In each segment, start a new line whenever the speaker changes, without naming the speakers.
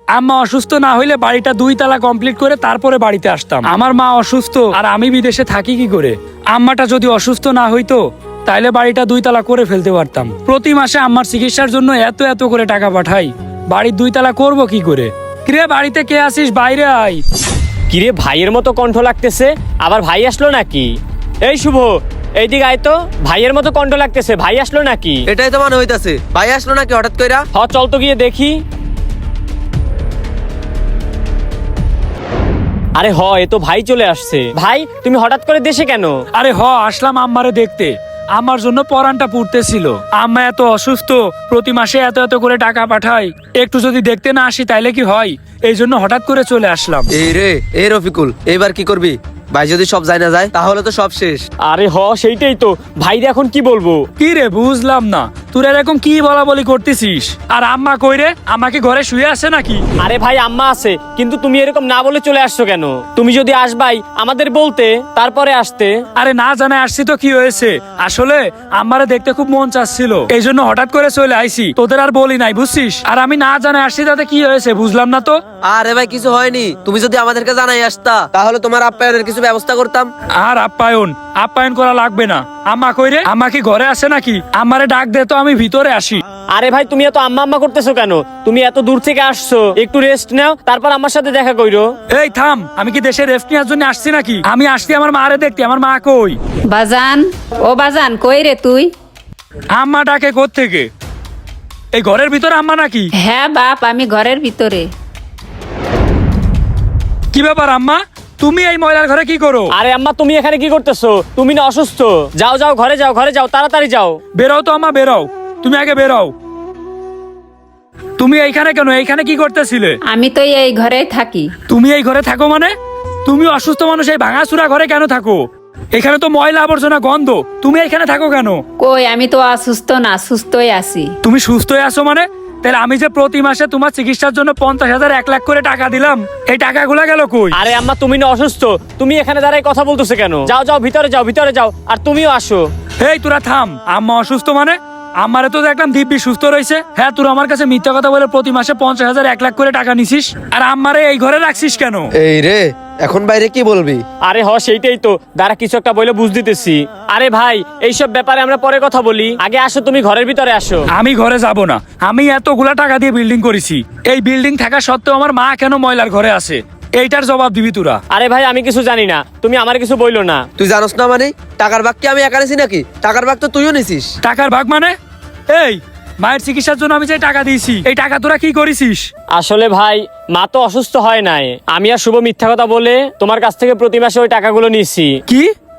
আম্মা অসুস্থ না হইলে বাড়িটা 2 তালা কমপ্লিট করে তারপরে বাড়িতে আসতাম। আমার মা অসুস্থ আর আমি বিদেশে থাকি কি করে? আম্মাটা যদি অসুস্থ না হইতো তাইলে বাড়িটা 2 তালা করে ফেলতে পারতাম। প্রতি মাসে আম্মার চিকিৎসার জন্য এত এত করে টাকা পাঠাই, বাড়ির 2 তালা করবো কি করে? কিরে বাড়িতে কে আসিস? বাইরে আয়।
কিরে ভাইয়ের মতো কণ্ঠ লাগতেছে, আবার ভাই আসলো নাকি? এই শুভ, এইদিকে আয় তো। ভাইয়ের মতো কণ্ঠ লাগতেছে, ভাই আসলো নাকি?
এটাই তো মনে হইতাছে, ভাই আসলো নাকি হঠাৎ কইরা?
চল তো গিয়ে দেখি। আরে এ তো ভাই চলে আসছে। ভাই তুমি হঠাৎ করে দেশে কেন?
আরে আসলাম আম্মারে দেখতে। আমার জন্য পরানটা পুড়তেছিল। আম্মা এত অসুস্থ, প্রতি মাসে এত এত করে টাকা পাঠায়, একটু যদি দেখতে না আসি তাইলে কি হয়? এই জন্য হঠাৎ করে চলে আসলাম।
এই রফিকুল, এইবার কি করবি? ভাই যদি সব যায় না যায় তাহলে তো সব শেষ।
আরে সেইটাই তো, ভাই এখন কি বলবো?
কি রে বুঝলাম না, তোর এরকম কি বলা বলি করতেছিস? আর আম্মা কই রে? আমাকে ঘরে শুয়ে আছে নাকি?
আরে ভাই আম্মা আছে, কিন্তু তুমি এরকম না বলে চলে আসছো কেন? তুমি যদি আসবাই আমাদের বলতে, তারপরে আসতে।
আরে না জানাই আসছি তো কি হয়েছে? আসলে আম্মারে দেখতে খুব মন চাচ্ছিল, এই জন্য হঠাৎ করে চলে আইছি। তোদের আর বলি নাই বুঝছিস? আর আমি না জানাই আসছি তাতে কি হয়েছে বুঝলাম না তো।
আরে ভাই কিছু হয়নি, তুমি যদি আমাদেরকে জানাই আসতা তাহলে তোমার আপ্যায়নের কিছু ব্যবস্থা করতাম।
আর আপ্যায়ন করা লাগবে না। আম্মা কই রে? আম্মা কি ঘরে আছে নাকি? আমারে ডাক দে তো, আমি ভিতরে আসি।
আরে ভাই তুমি এত আম্মা আম্মা করতেছো কেন? তুমি এত দূর থেকে আসছো, একটু রেস্ট নাও, তারপর আমার সাথে দেখা কইরো।
এই থাম, আমি কি দেশে রেস্ট নেওয়ার জন্য আসছি নাকি? আমি আসছি আমার মারে দেখতে। আমার মা কই?
বাজান, ও বাজান কই রে তুই?
আম্মা ডাকে কোত্থেকে? এই ঘরের ভিতরে আম্মা নাকি?
হ্যাঁ বাপ, আমি ঘরের ভিতরে।
কি ব্যাপার আম্মা, তুমি এই ময়লার ঘরে কি করো?
আরে আম্মা তুমি এখানে কি করতেছো? তুমি না অসুস্থ? যাও যাও, ঘরে যাও, ঘরে যাও, তাড়াতাড়ি যাও।
বেরাও তো আম্মা, বেরাও। তুমি আগে বেরাও। তুমি এইখানে কেন? এইখানে কি করতেছিলে?
আমি তো এই ঘরেই থাকি।
তুমি এই ঘরে থাকো মানে? তুমি অসুস্থ মানুষ এই ভাঙাচুরা ঘরে কেন থাকো? এখানে তো ময়লা আবর্জনা গন্ধ, তুমি এখানে থাকো কেন?
কই, আমি তো অসুস্থ না, সুস্থই আছি।
তুমি সুস্থ হয়ে আছো মানে? তাহলে আমি যে প্রতি মাসে তোমার চিকিৎসার জন্য 50,000 1 লাখ করে টাকা দিলাম, এই টাকাগুলা গেল কই?
আরে আম্মা তুমি না অসুস্থ, তুমি এখানে দাঁড়ায় কথা বলতেছো কেন? যাও যাও, ভিতরে যাও, ভিতরে যাও, আর তুমিও আসো।
এই তোরা থাম। আম্মা অসুস্থ মানে? আমারে তো দেখলাম দিব্যি সুস্থ রয়েছে। হ্যাঁ, তোর আমার কাছে মিথ্যা কথা বলে প্রতি মাসে 50,000 1 লাখ করে টাকা নিছিস, আর আমারে এই ঘরে রাখছিস কেন?
এই রে, এখন বাইরে কি বলবি?
আরে সেইটাই তো, দাঁড়া কিছু একটা বলে বুঝ দিতেছি। আরে ভাই এইসব ব্যাপারে আমরা পরে কথা বলি, আগে আসো, তুমি ঘরের ভিতরে আসো।
আমি ঘরে যাব না। আমি এতগুলা টাকা দিয়ে বিল্ডিং করেছি, এই বিল্ডিং থাকা সত্ত্বেও আমার মা কেন ময়লার ঘরে আছে? এইটার জবাব দিবি তোরা।
আরে ভাই আমি কিছু জানি না, তুমি আমার কিছু বইলো না।
তুই জানোস না মানে? টাকার ভাগ কি আমি একা নিছি নাকি? টাকার ভাগ তো তুইও নিছিস।
টাকার ভাগ মানে? এই মায়ের চিকিৎসার জন্য আমি যে টাকা দিয়েছি, এই টাকা তোরা কি করেছিস?
আসলে ভাই মা তো অসুস্থ হয় নাই, আমি আর শুভ মিথ্যা কথা বলে তোমার কাছ থেকে প্রতি মাসে ওই টাকাগুলো নিছি।
কি?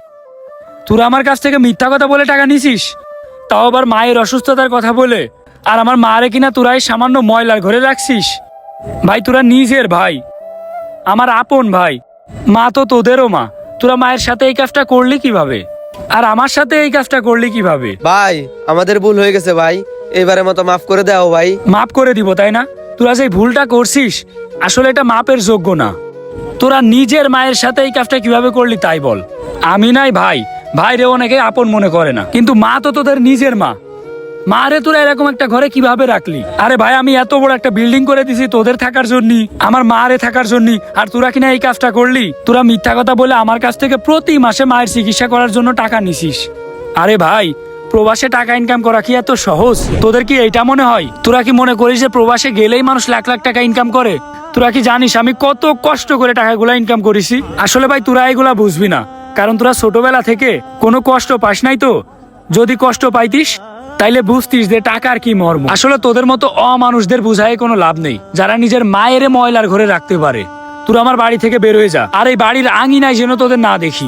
তোরা আমার কাছ থেকে মিথ্যা কথা বলে টাকা নিছিস? তাও আবার মায়ের অসুস্থতার কথা বলে? আর আমার মারে কিনা তোরা এই সামান্য ময়লার ঘরে রাখছিস? ভাই তোরা নিজের ভাই, আমার আপন ভাই। মা তো তোদেরও মা। তোরা মায়ের সাথে এই কাজটা করলি কিভাবে? আর আমার সাথে এই কাজটা করলি কিভাবে?
ভাই আমাদের ভুল হয়ে গেছে ভাই, এবারের মতো মাফ করে দাও ভাই।
মাপ করে দিব তাই না? তোরা যে ভুলটা করছিস আসলে এটা মাপের যোগ্য না। তোরা নিজের মায়ের সাথে এই কাজটা কিভাবে করলি তাই বল। আমি নাই ভাই, ভাইরে অনেকে আপন মনে করে না, কিন্তু মা তো তোদের নিজের মা। মা রে তোরা এরকম একটা ঘরে কিভাবে রাখলি? আরে ভাই আমি এত বড় একটা বিল্ডিং করে দিছি তোদের থাকার জন্য, আমার মা রে থাকার জন্য, আর তোরা কিনা এই কাজটা করলি? তোরা মিথ্যা কথা বলে আমার কাছ থেকে প্রতি মাসে মায়ের চিকিৎসা করার জন্য টাকা নিছিস। আরে ভাই প্রবাসে টাকা ইনকাম করা কি এত সহজ? তোদের কি এইটা মনে হয়? তোরা কি মনে করিস যে প্রবাসে গেলেই মানুষ লাখ লাখ টাকা ইনকাম করে? তোরা কি জানিস আমি কত কষ্ট করে টাকাগুলা ইনকাম করেছি? আসলে ভাই তোরা এগুলা বুঝবি না, কারণ তোরা ছোটবেলা থেকে কোনো কষ্ট পাস নাই তো। যদি কষ্ট পাইতিস তাইলে বুঝতিস যে টাকার কি মর্ম। আসলে তোদের মতো অমানুষদের বুঝায় কোনো লাভ নেই, যারা নিজের মায়ের ময়লার ঘরে রাখতে পারে। তোরা আমার বাড়ি থেকে বের হয়ে যা, আর এই বাড়ির আঙিনায় যেন তোদের না দেখি।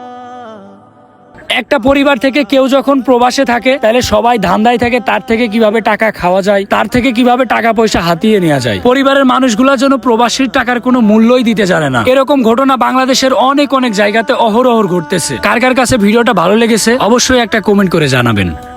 একটা পরিবার থেকে কেউ যখন প্রবাসে থাকে তাহলে সবাই ধান্দায় থাকে তার থেকে কিভাবে টাকা খাওয়া যায়, তার থেকে কিভাবে টাকা পয়সা হাতিয়ে নেওয়া যায়। পরিবারের মানুষগুলা যেন প্রবাসীর টাকার কোনো মূল্যই দিতে জানে না। এরকম ঘটনা বাংলাদেশের অনেক অনেক জায়গাতে অহরহ ঘটতেছে। কার কার কাছে ভিডিওটা ভালো লেগেছে অবশ্যই একটা কমেন্ট করে জানাবেন।